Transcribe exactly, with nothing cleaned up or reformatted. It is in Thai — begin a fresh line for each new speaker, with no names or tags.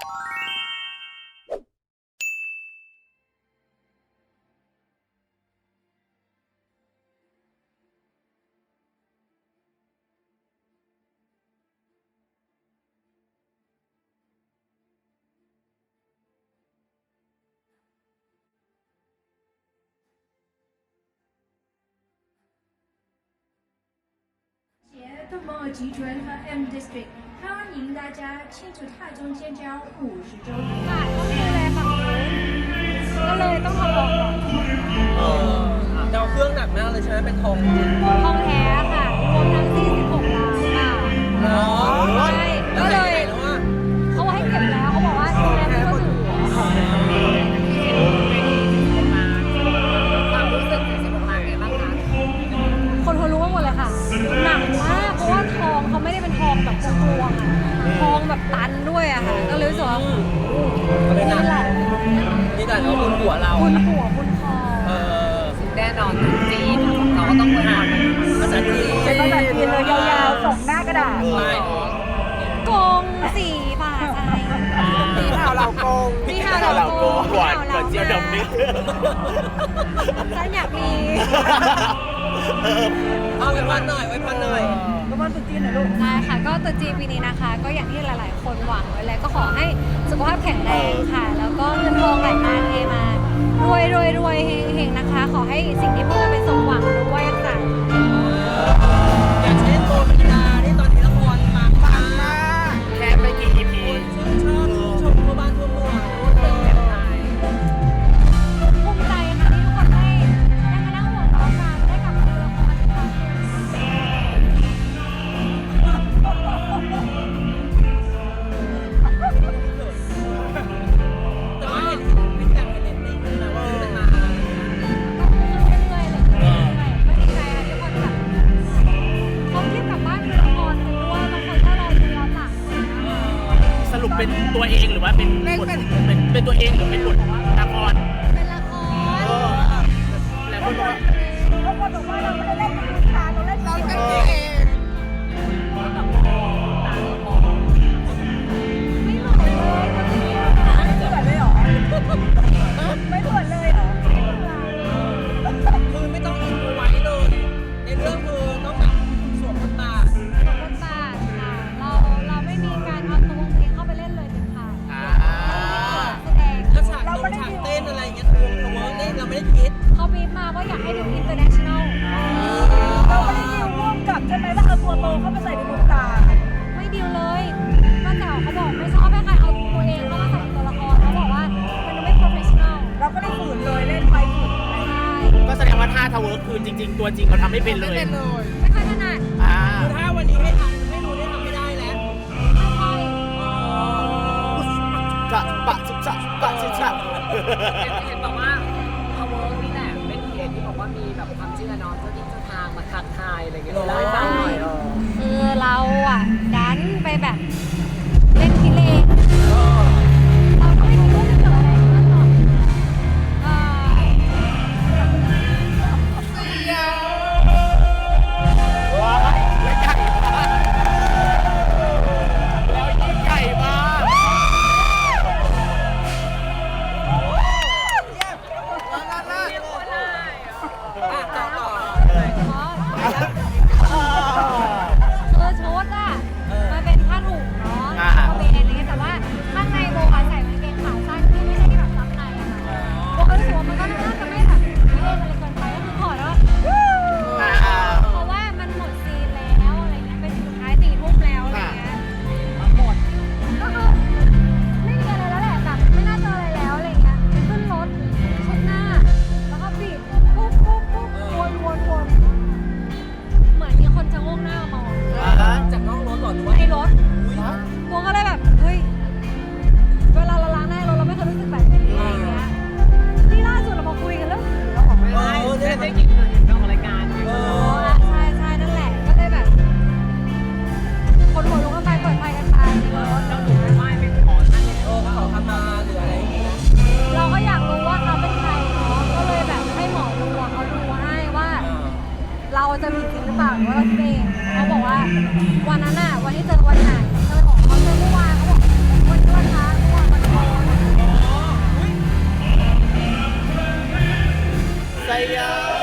的某尔集团和 M District 欢迎大家庆祝泰中建交五十周年。
ค่ะก็คือเลยฝั่งนู้นก็เลยต้องทำออกก่อน
เออดาวเครื่องหนักมากเลยใช่ไหมเป็นทองจริง
ทองแท้ค่ะรวมทั้งสี่สิบหกล้านบาท
เนาะ
ใช่ก็เลย
แล้วว่า
เขาให้เก็บแล้วเขาบอกว่าดูแลไม่ก็ถือ
ความรู้สึกสี่สิบหกล้านเป็นไงบ้างคะ
คนเขารู้กันหมดเลยค่ะหนักมากเพราะว่าทองเขาไม่ได้เป็นทองแบบกลวงๆอะทองแบบตันด้วยอะค่ะก็เลยรู้สึกว่า
เขาเลยหนั
นี่
ก
แหละ
นี่แต่เขาบุญหัวเรา
คุณหัวคุณคอ
เออ
แน่นอนจีนเราก็ต้องไปทำ
ภาษาจีน
เป็นภาษาจีนเลยยาวๆส่งหน้ากระดาษ
ใช่
กงสีป่าใจ
พี่ข่าวเราโกง
พี่ฮาวเราโกง
หวานกว่าเจียวดำนิด
ฉันอยากมี
เอาไว้พันหน่อยไว้พันหน่อย
ก็มันตุ๊จีนหน่อยลูก
ได้ค่ะก็ตรุษจีนปีนี้นะคะ ก็อย่างที่หลาย ๆ คนหวังไว้แล้วก็ขอให้สุขภาพแข็งแรงค่ะ แล้วก็เงินทองไหลมาเทมารวยรวยรวยเฮงเฮงนะคะ ขอให้สิ่งที่พูดเป็นสมหวังด้วยค่ะ
อย่างเช่นโบเมลดาที่ตอนนี้ละครปังมาก
แค่ไม่กี่ อี พี
ชื่นชอบชมทั่วบ้านทั่วเมืองเป็นแบบไหน
ภูมิใจค่ะที่ทุกคนได้ได้มานั่งหัวเราะกันได้กลับมาดูละครอีกครั้งหนึ่ง
แต่ว่าเห็นเป็นแบบเห็นเรตติ้งนะว่าเป็นมา
เรื่อยๆเลยเรื่อยๆก็ดีใจค่ะที่คนแบบเขารีบกลับบ้านดูละครกันด้วยบางคนก็รอดูย้อนหลัง
สรุปเป็นตัวเองหรือว่าเป็นบทเป็นเป็นตัวเองหรือเป็นบทละคร
เป็นละคร
แล้วคนบอกว่า
เขาบอกว่าเราไม่ได้เล่นเป็นลูกค้าเราเล่นเราเป็นเอง
ไม่เหมือนเลยคนนี้
ไม่เหมือนเลยเหรอไม่เหมือนเลยเหรอ
คือไม่ต้องอินดูไว้เลย ในเรื่องคือต้องแบบสวมบทบาท
สมบทบาทค่ะเราเราไม่มีการเอาตัวเพลงเข้าไปเล่นเลยเด็ดขาด
อ่า
แสดง
แล้วฉากลงฉากเต้นอะไรอย่างเงี้ยคือเขาเวิร์กนี่เราไม่ได้คิด
เขาบีบมาว่าอยากให้ดู international
เราไม่ได้ดิวร่วมกับใช่ไหมว่าเอาตัวโตเข้าไปใส่ในดวงตา
ไม่ดีลเลยป้าแจ๋วเขาบอกไม่ชอบให้ใครเอาตัวเองเข้ามาใส่ในตัวละครเขาบอกว่ามันดูไม่ professional
เราก็ได้ฝืนเลยเล่นไปฝืนไป
ใช่
ก็แสดงว่าท่าทาเวิร์คคือจริง ๆ ตัวจริงเราทำไม่เป็นเลย
ไม่ค่อยถนัด
อ่า
คือถ้าวันนี้ให้ทำให้รู้ได้ทำไม่ได้แล้ว
ไม่ค่อย
จะปะจะจะปะจะจะ
เห็นบอกว่าเขาเวิร์กนี่แหละเป็นเหตุที่บอกว่ามีแบบความเชื่อเนาะเจ้าที่เจ้าทางมาทักทายอะไรอย่างเงี้ยเล่าให้ฟังหน่อยเออ
คือเราอ่ะดันไปแบบเล่นพิเรนเราก็ไม่คิดว่าจะเกิดอะไรขึ้นหรอกเอ่อ
ว้ายแล้วใหญ่มากแล้วยิ่งใหญ่มาก
อ่ะต่อต่อ
คือชุดอ่ะมันเป็นผ้าถุงเนา
ไซยา